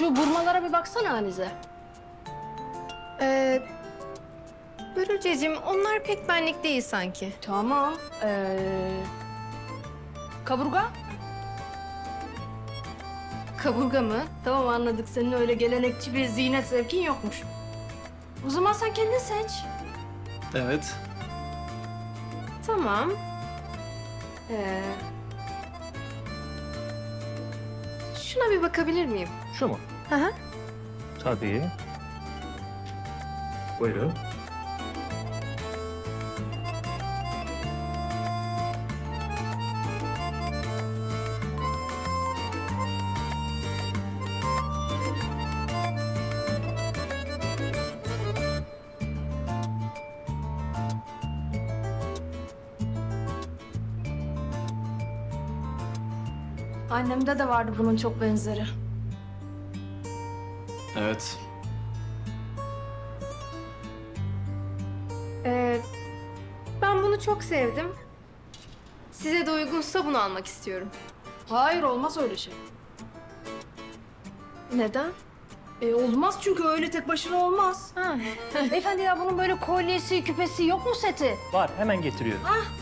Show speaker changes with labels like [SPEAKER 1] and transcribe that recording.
[SPEAKER 1] Şu burmalara bir baksana Hanize.
[SPEAKER 2] Börülceciğim, onlar pek benlik değil sanki.
[SPEAKER 1] Tamam. Kaburga?
[SPEAKER 2] Kaburga mı?
[SPEAKER 1] Tamam anladık. Senin öyle gelenekçi bir ziynet zevkin yokmuş. O zaman sen kendin seç.
[SPEAKER 3] Evet.
[SPEAKER 2] Tamam. Şuna bir bakabilir miyim?
[SPEAKER 3] Şu mu?
[SPEAKER 2] Hı hı.
[SPEAKER 3] Tabii. Buyurun.
[SPEAKER 1] Annemde de vardı bunun çok benzeri.
[SPEAKER 3] Evet.
[SPEAKER 2] Ben bunu çok sevdim. Size de uygunsa bunu almak istiyorum.
[SPEAKER 1] Hayır olmaz öyle şey.
[SPEAKER 2] Neden?
[SPEAKER 1] Olmaz çünkü öyle tek başına olmaz.
[SPEAKER 2] Ha.
[SPEAKER 1] Beyefendi ya bunun böyle kolyesi, küpesi yok mu seti?
[SPEAKER 3] Var, hemen getiriyorum.
[SPEAKER 1] Ah